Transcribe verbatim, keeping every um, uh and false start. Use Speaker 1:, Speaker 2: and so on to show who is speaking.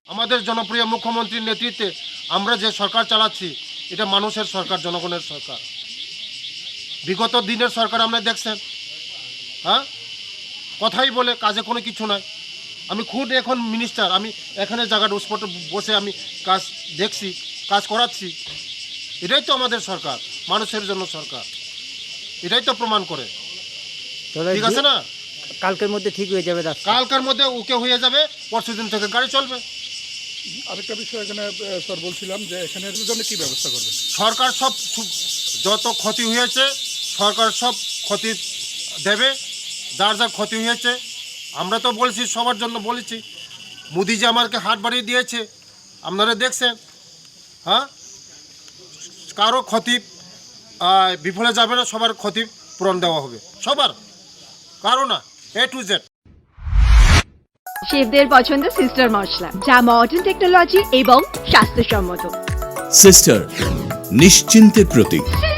Speaker 1: আমাদের জনপ্রিয় মুখ্যমন্ত্রীর নেতৃত্বে আমরা যে সরকার চালাচ্ছি এটা মানুষের সরকার, জনগণের সরকার। বিগত দিনের সরকার আমরা দেখছেন, হ্যাঁ, কথাই বলে কাজে কোনো কিছু নাই। আমি খুদ এখন মিনিস্টার, আমি এখানে জায়গাটা স্পটে বসে আমি কাজ দেখছি, কাজ করাচ্ছি। এটাই তো আমাদের সরকার, মানুষের জন্য সরকার, এটাই তো প্রমাণ করে। ঠিক আছে না?
Speaker 2: কালকের মধ্যে ঠিক হয়ে যাবে রাস্তা।
Speaker 1: কালকের মধ্যে ওকে হয়ে যাবে, পরশু দিন থেকে গাড়ি চলবে।
Speaker 3: আরেকটা বিষয় এখানে স্যার বলছিলাম যে এখানে জন্য কি ব্যবস্থা করবে
Speaker 1: সরকার? সব যত ক্ষতি হয়েছে সরকার সব ক্ষতি দেবে, যার যা ক্ষতি হয়েছে। আমরা তো বলছি, সবার জন্য বলেছি। মোদি যে আমাকে হাত বাড়িয়ে দিয়েছে, আপনারা দেখছেন, হ্যাঁ, কারো ক্ষতি বিফলে যাবে না, সবার ক্ষতি পূরণ দেওয়া হবে, সবার, কারো না, এ টু জেড।
Speaker 4: শেফদের পছন্দ সিস্টার মশলা, যা মডার্ন টেকনোলজি এবং স্বাস্থ্যসম্মত।
Speaker 5: সিস্টার, নিশ্চিন্তের প্রতীক।